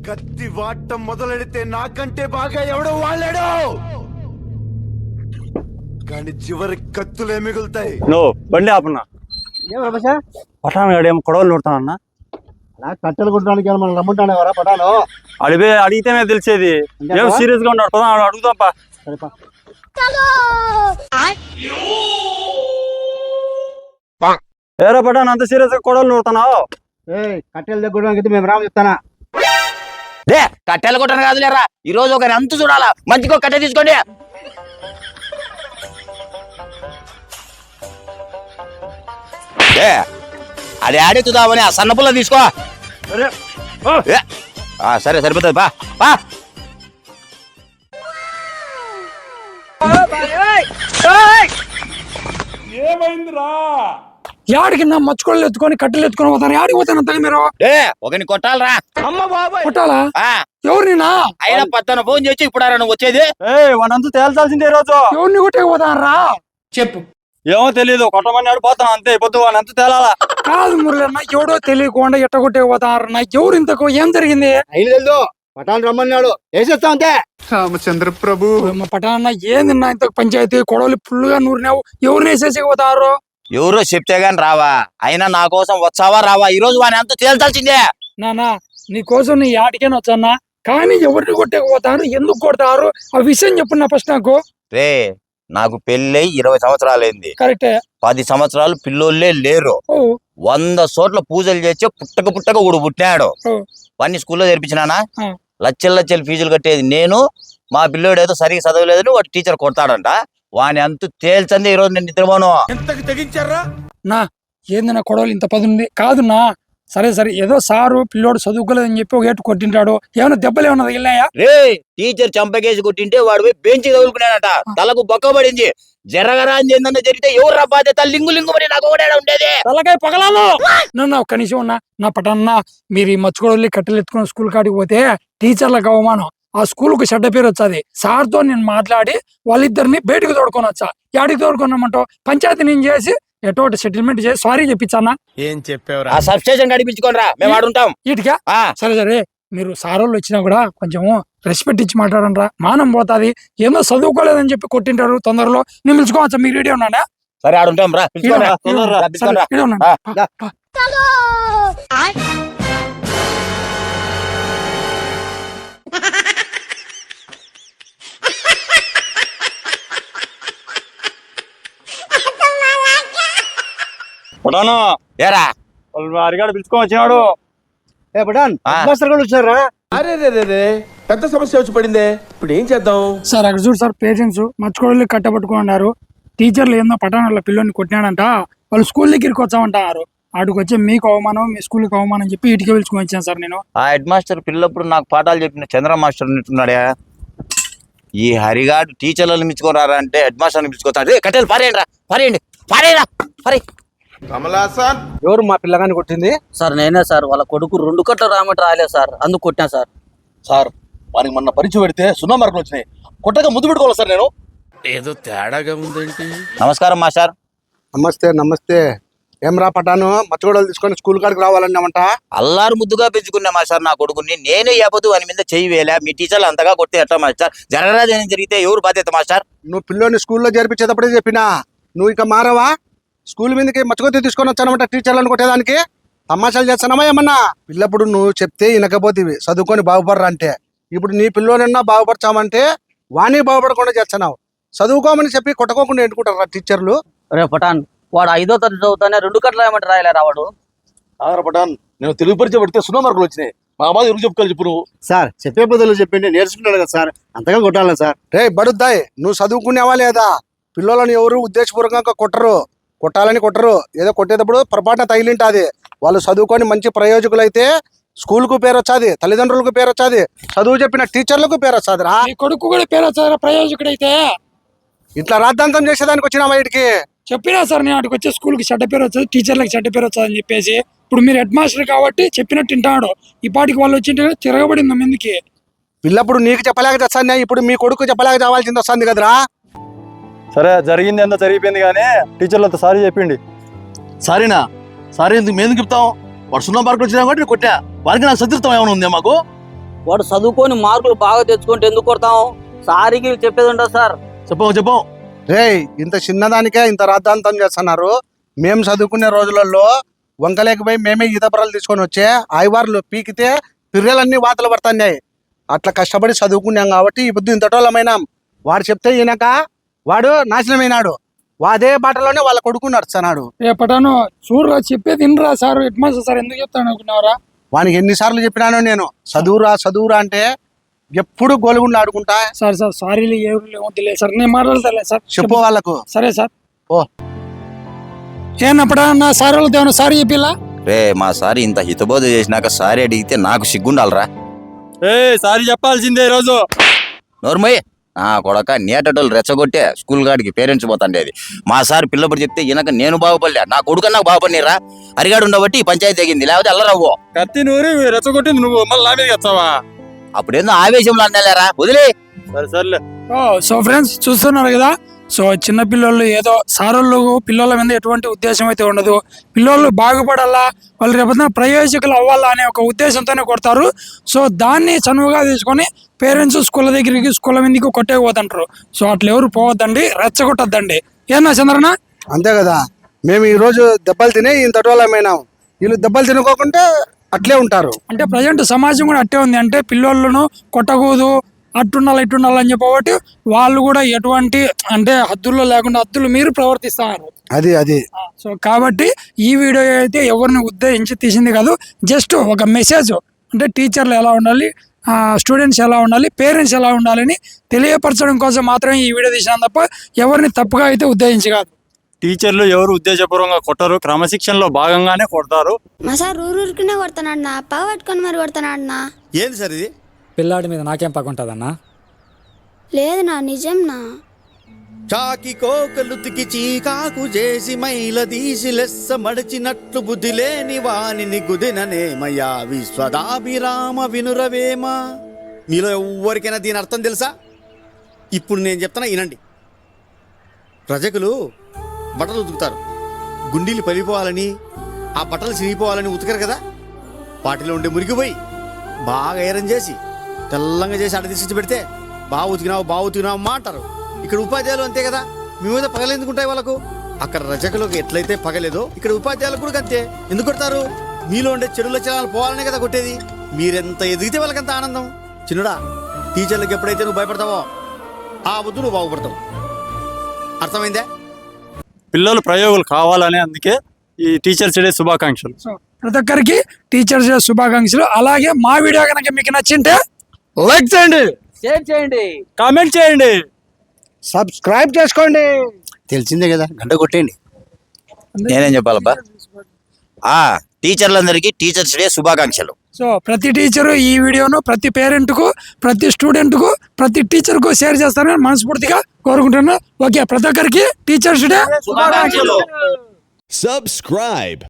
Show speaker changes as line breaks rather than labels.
కత్తి వాటం మొదలెడితే నాకంటే బాగా ఎవడో వాళ్ళాడు, కానీ చివరి కత్తులే మిగులుతాయి.
నువ్వు బండి ఆపన్నా. పటాన్ గాడు ఏమో కొడవలు నూడతానన్నా.
కట్టెలు కొట్టడానికి మనం రమ్మంటానేవరా పటాను?
అడిగితేనే తెలిసేది. ఏం సీరియస్ గా ఉన్నాడు, పదా అడుగుదాంపా. ఏరా పటాన్ అంత సీరియస్ గా కొడవలు నూడుతున్నావు?
కట్టెలు దగ్గర మేము రాము చెప్తానా?
కట్టెలు కొట్టను కాదు లేరా, ఈ రోజు ఒకరి అంతు చూడాలా. మంచిగా కట్టె తీసుకోండి. అది ఆడెత్తుదామని ఆ సన్నపుల్ల తీసుకో. సరే సరిపోతుంది బా బా.
ఏమైందిరా? యాడికి నా మచ్చుకోళ్ళు ఎత్తుకొని కట్టెలు ఎత్తుకొని పోతారు. యాడికి పోతాను అంతగా మీరు?
ఒకని కొట్టాలరా.
కొట్టాలా? ఎవరినా?
అయినా పత్తన ఫోన్ చేసి ఇప్పుడు నువ్వు వచ్చేది.
వాడంతా తేల్చాల్సిందే రోజు.
ఎవరిని కొట్టే పోతారా చెప్పు.
ఏమో తెలీదు, కొట్టమన్నాడు పోతాను అంతే. పొద్దు వాడు అంత తేలాలా?
కాదు మురళన్న, ఎవడో తెలియకుండా ఎట్ట కొట్టే పోతారు. నాకు ఎవరు ఇంతకు ఏం జరిగింది?
అయిన పటాన్ రమ్మన్నాడు, వేసేస్తా అంతే.
రామచంద్ర ప్రభు,
పటాన్న ఏంది నా ఇంతకు పంచాయతీ? కొడవలు ఫుల్గా నూరినావు. ఎవరిని వేసేసిపోతారు?
ఎవరో చెప్తే గాని రావా? అయినా నా కోసం వచ్చావా రావా? ఈ రోజు వాని అంత తేల్చాల్సిందే.
నానా నీ కోసం నీ ఆటికేనా వచ్చానా, కానీ ఎవరిని కొట్టకపోతారు, ఎందుకు కొడతారు ఆ విషయం చెప్పు నా ఫస్ట్ నాకు.
రే, నాకు పెళ్ళై 20 సంవత్సరాలైంది.
కరెక్టే.
10 సంవత్సరాలు పిల్లోళ్ళే లేరు. 100 చోట్ల పూజలు చేసి పుట్టక ఒకడు పుట్టినాడు. వాడిని స్కూల్లో చేర్పించినానా? లక్షల ఫీజులు కట్టేది నేను. మా పిల్లోడు ఏదో సరిగ్గా చదవలేదని వాడు టీచర్ కొడతాడంట. వాని అంత తేల్చంది ఈ రోజు నేను నిద్రపోను.
నా ఏంది నా కొడవలు ఇంత పదుంది కాదు నా. సరే సరే, ఏదో సారు పిల్లోడు చదువుకోలేదని చెప్పి ఒక ఏటు కొట్టింటాడు. ఏమైనా దెబ్బలు ఏమన్నా తగిలినాయా?
రే, టీచర్ చంపకేసి కొట్టింటే వాడు పోయి బెంచ్ తగులుకున్నాడట. తలకు బొక్క పడింది. జరగరా అని ఏందన్నా జరిగితే ఎవరు రా బాధ్యత? లింగు పడి నాకు ఒకటే ఉండేది.
తలకాయ పగలాను. నన్ను ఒక్క నిమిషం ఉన్నా. నా పటన్న, మీరు ఈ మచ్చుకోడల్ని కట్టెలు ఎత్తుకుని స్కూల్ కాడికి పోతే టీచర్లకు అవమానం. ఆ స్కూల్ కు చెడ్డ పేరు వచ్చాది. సార్తో నేను మాట్లాడి వాళ్ళిద్దరిని బయటకు తోడుకొని వచ్చా. యాడికి తోడుకున్నామంటావు? పంచాయతీ నేను చేసి ఎటోటి సెటిల్మెంట్ చేసి సారీ చెప్పించానా?
ఏం చెప్పావు? ఆ సబ్ స్టేషన్ గడిపించుకోని రా, మేము ఆడుంటాం.
ఇటుకా సరే సరే, మీరు సారోళ్ళు వచ్చినా కూడా కొంచెం రెస్పెక్ట్ ఇచ్చి మాట్లాడండి. మానం పోతాది. ఏదో చదువుకోలేదని చెప్పి కొట్టింటారు. తొందరలో నేను పిలుచుకోవచ్చా? మీకు రెడీ ఉన్నాడా?
సరే ఆడుంటాం రా.
పటాను
ఏరా,
అరిగాడు పిలుచుకొని వచ్చినాడు.
పటాన్ వచ్చారా?
అరే పెద్ద సమస్య వచ్చి పడిందే, ఇప్పుడు ఏం చేద్దాం?
సార్ అక్కడ చూడు సార్, పేరెంట్స్ మర్చుకోవడానికి కట్టబట్టుకున్నారు. టీచర్లు ఏందో పటాన్ పిల్లల్ని కొట్టినాడంట. వాళ్ళు స్కూల్ దగ్గరికి వచ్చామంటారు. ఆడికి వచ్చి మీకు అవమానం, మీ స్కూల్కి అవమానం చెప్పి ఇటుకే పిలుచుకొని వచ్చాను సార్ నేను.
ఆ హెడ్ మాస్టర్ పిల్లప్పుడు నాకు పాఠాలు చెప్పిన చంద్ర మాస్టర్ ఉన్నట్టున్నాడా? ఈ హరిగాడు టీచర్లను మించుకొని రారా అంటే హెడ్ మాస్టర్ని పిలుచుకొస్తాడు. కట్టెలు పారేయండి రా, పారేయరా.
ఎవరు మా పిల్లగాని కొట్టింది?
సార్ నేనే సార్. వాళ్ళ కొడుకు 2 కట్టలు రామంటే రాలేదు సార్, అందుకు కొట్టినా సార్.
సార్, వానికి మొన్న పరీక్ష పెడితే 0 మార్కులు వచ్చినాయి. కొట్టగా ముద్దు పెట్టుకోవాలి సార్ నేను. ఏదో తేడాగా ఉందేంటి?
నమస్కారం మాస్టర్.
నమస్తే. ఏం రా పటాను, మచ్చగొడలు తీసుకొని స్కూల్ కాడికి రావాలన్నామంట.
అల్లారు ముద్దుగా పెంచుకున్నా మాస్టర్ నా కొడుకుని. నేనే యాపదు వాని మీద చెయ్యి వేలా. మీ టీచర్లు అంతగా కొడితే ఎట్లా మాస్టర్? జరగరాదు ఏం జరిగితే ఎవరు బాధ్యత మాస్టర్?
నువ్వు పిల్లోని స్కూల్లో చేర్పించేటప్పుడే చెప్పినా, నువ్వు ఇక మారవా? స్కూల్ మీదకి మచ్చగొత్తి తీసుకొని వచ్చానమాట టీచర్లను కొట్టేదానికి. తమాషాలు చేస్తానమా ఏమన్నా? పిల్లప్పుడు నువ్వు చెప్తే వినకపోతేవి చదువుకొని బాగుపడరా అంటే, ఇప్పుడు నీ పిల్లోనన్నా బాగుపరచామంటే వాణి బాగుపడకుండా చేస్తున్నావు. చదువుకోమని చెప్పి కొట్టకోకుండా ఎంటుకుంటారా టీచర్లు?
రే పటాన్, వాడు 5వ తరగతి చదువుతానే 2 కట్టలు రాయమంటే రాయలేరా వాడు?
పటాన్, నేను తెలుగు పరీక్ష పెడితే 0 మార్కులు వచ్చినాయి. మా బాధ ఎవరు చెప్పుకోవాలి చెప్పు నువ్వు?
సార్ చెప్పే బదులు చెప్పింది నేర్చుకున్నాడు కదా సార్, అంతగా కొట్టాలి సార్. రే బడుద్దాయ్, నువ్వు చదువుకునేవా లేదా? పిల్లలని ఎవరు ఉద్దేశపూర్వకంగా కొట్టాలని కొట్టరు. ఏదో కొట్టేటప్పుడు పొరపాటున తగిలింటాది. వాళ్ళు చదువుకొని మంచి ప్రయోజకులైతే స్కూల్ కు పేరు వచ్చాది, తల్లిదండ్రులకు పేరు వచ్చాది, చదువు చెప్పిన టీచర్లకు పేరు వచ్చాది రా.
కొడుకు కూడా పేరు వచ్చారా ప్రయోజకుడైతే?
ఇట్లా రాద్ధాంతం చేసేదానికి వచ్చినా బయటికి
చెప్పినా సార్ నేను అక్కడికి వచ్చే స్కూల్కి చెడ్డ పేరు వచ్చేది, టీచర్లకు చెడ్డ పేరు వచ్చేది అని చెప్పేసి. ఇప్పుడు మీరు హెడ్ మాస్టర్ కాబట్టి చెప్పినట్టు వింటాడు. ఈ పాటికి వాళ్ళు వచ్చింటే తిరగబడింది ఎందుకు?
పిల్లప్పుడు నీకు చెప్పలేక చేస్తాను, ఇప్పుడు మీ కొడుకు చెప్పలేక చావాల్సింది వస్తుంది కదరా.
సరే జరిగింది ఎంత జరిగిపోయింది కానీ టీచర్లతో సారీ చెప్పిండి.
సారీనా? సారీ ఎందుకు మేము చెప్తాం? వాడు 0 మార్కులు వచ్చినా కాబట్టి కొట్టా. వారికి నాకు సతీర్థం ఏమైనా ఉందా మాకు?
వాడు చదువుకొని మార్కులు బాగా తెచ్చుకుంటే ఎందుకు కొడతాం? సారికి చెప్పేది ఉండదు సార్.
చెప్పం
రేయ్, ఇంత చిన్నదానికే ఇంత రాద్ధాంతం చేస్తున్నారు. మేము చదువుకునే రోజులలో వంకలేకపోయి మేమే ఈత బర్రలు తీసుకొని వచ్చే ఆయివార్లు పీకితే పిర్రెలన్నీ వాతలు పడుతున్నాయి. అట్లా కష్టపడి చదువుకున్నాం కాబట్టి ఈ బుద్ధి ఇంతటోళమైనాం. వాడు చెప్తే ఈయనక వాడు నాశనమైనాడు. అదే బాటలోనే వాళ్ళ కొడుకు నడుస్తున్నాడు.
ఏ పటాను చూడరా, చెప్పేది వినరా సార్. హెడ్ మాస్టర్ సార్ ఎందుకు చెప్తాను అనుకున్నావరా?
వానికి ఎన్నిసార్లు చెప్పినానో నేను, చదువురా అంటే ఎప్పుడు గోలుగుండు ఆడుకుంటా.
సార్ సారీలు ఎవరు వద్దులే సార్, నేను మాట్లాడతాలే సార్.
చెప్పు వాళ్ళకు.
సరే సార్.
ఓ
ఏనప్పుడా నా సార్ వాళ్ళతో ఏమన్నా సారీ చెప్పిలా?
రే మా సారి ఇంత హితబోధ చేసినాక సారీ అడిగితే నాకు సిగ్గుండాలరా.
సారీ చెప్పాల్సిందే ఈరోజు.
నోర్మయ్య నా కొడక నేటోళ్ళు రెచ్చగొట్టే స్కూల్ గాడికి పేరెంట్స్ పోతాండేది. మా సార్ పిల్లప్పుడు చెప్తే ఈయనక నేను బాగుపడలే, నా కొడుకు నాకు బాగుపడినరా. అరిగాడు ఉండబట్టి ఈ పంచాయతీ తెగింది, లేకపోతే అల్లరవ్వో.
కత్తి నూరి రెచ్చగొట్టింది నువ్వు, మళ్ళీ నా మీద వచ్చావా?
అప్పుడేందో ఆవేశంలో అన్నలేరా, వదిలే.
సర్లే.
సో ఫ్రెండ్స్ చూస్తున్నారు కదా, సో చిన్న పిల్లలు ఏదో సారోళ్ళు పిల్లల మీద ఎటువంటి ఉద్దేశం అయితే ఉండదు. పిల్లలు బాగుపడాలా, వాళ్ళు రేపొద్దున ప్రయోజకులు అవ్వాలా అనే ఒక ఉద్దేశంతోనే కొడతారు. సో దాన్ని చనువుగా తీసుకొని పేరెంట్స్ స్కూల్ దగ్గరికి స్కూల్ మీదకి కొట్టేకపోతుంటారు. సో అట్లా ఎవరు పోవద్దండి, రెచ్చగొట్టద్దండి. ఏనా చంద్రనా?
అంతే కదా, మేము ఈ రోజు దెబ్బలు తినే ఇంతటోళమైనాం. వీళ్ళు దెబ్బలు తినుకోకుంటే అట్లే ఉంటారు.
అంటే ప్రజెంట్ సమాజం కూడా అట్టే ఉంది. అంటే పిల్లోళ్ళను కొట్టకూడదు, అట్టుండాలి ఇట్టుండాలి అని చెప్పబట్టి వాళ్ళు కూడా ఎటువంటి అంటే హద్దుల్లో లేకుండా హద్దులు మీరు ప్రవర్తిస్తున్నారు.
అది
సో కాబట్టి ఈ వీడియో అయితే ఎవరిని ఉద్దేశించి తీసింది కాదు, జస్ట్ ఒక మెసేజ్. అంటే టీచర్లు ఎలా ఉండాలి, స్టూడెంట్స్ ఎలా ఉండాలి, పేరెంట్స్ ఎలా ఉండాలని తెలియపరచడం కోసం మాత్రమే ఈ వీడియో తీసినాం తప్ప ఎవరిని తప్పుగా అయితే ఉద్దేశించి కాదు.
టీచర్లు ఎవరు ఉద్దేశపూర్వకంగా కొట్టరు, క్రమశిక్షణలో భాగంగానే కొడతారు.
మా సార్ ఊరికనే కొడతాడు నా, పగ పట్టుకొని మరి కొడతాడు నా.
ఏంది సార్ ఇది?
పిల్లాడి మీద నాకేం పగుంటుందన్నా?
లేదు నా, నిజం నా.
చాకి కోకలుతికి చీకాకు చేసి మైల తీసి లెస్స మడిచినట్లు బుద్ధి లేని వానిని గుదిననేమయ్యా విశ్వదాభిరామ వినురవేమ. మీలో ఎవ్వరికైనా దీని అర్థం తెలుసా? ఇప్పుడు నేను చెప్తున్నా వినండి. ప్రజకులు బట్టలు ఉతుకుతారు, గుండీలు పలిపోవాలని, ఆ బట్టలు చిరిగిపోవాలని ఉతకరు కదా. వాటిలో ఉండే మురిగిపోయి బాగా ఐరన్ చేసి తెల్లంగా చేసి అడ తీసుకొచ్చి పెడితే బాగా ఉతికినావు మా అంటారు. ఇక్కడ ఉపాధ్యాయులు అంతే కదా, మీ మీద పగలెందుకుంటాయి వాళ్ళకు? అక్కడ రజకులకు ఎట్లయితే పగలేదో ఇక్కడ ఉపాధ్యాయులకు కూడా అంతే. ఎందుకు కొడతారు? మీలో ఉండే చెడు లక్షణాలు పోవాలనే కదా కొట్టేది. మీరెంత ఎదిగితే వాళ్ళకంత ఆనందం. చిన్నడా, టీచర్లకు ఎప్పుడైతే నువ్వు భయపడతావో ఆ వద్దు నువ్వు బాగుపడతావు. అర్థమైందే?
పిల్లలు ప్రయోగాలు కావాలని, అందుకే ఈ టీచర్స్ డే శుభాకాంక్షలు.
సో ప్రతి ఒక్కరికి టీచర్స్ డే శుభాకాంక్షలు. అలాగే మా వీడియో కనుక మీకు నచ్చింటే
లైక్ చేయండి,
షేర్ చేయండి,
కామెంట్ చేయండి,
సబ్స్క్రైబ్ చేసుకోండి.
తెలిసిందే కదా, గంట కొట్టేయండి.
నేనేం చెప్పాలబ్బా? టీచర్లందరికీ టీచర్స్ డే శుభాకాంక్షలు.
సో ప్రతి టీచరు ఈ వీడియోను ప్రతి పేరెంట్కు, ప్రతి స్టూడెంట్కు, ప్రతి టీచర్కు షేర్ చేస్తారని మనస్ఫూర్తిగా కోరుకుంటున్నాను. ఓకే, ప్రతి ఒక్కరికి టీచర్స్ డే
శుభాకాంక్షలు.
Subscribe.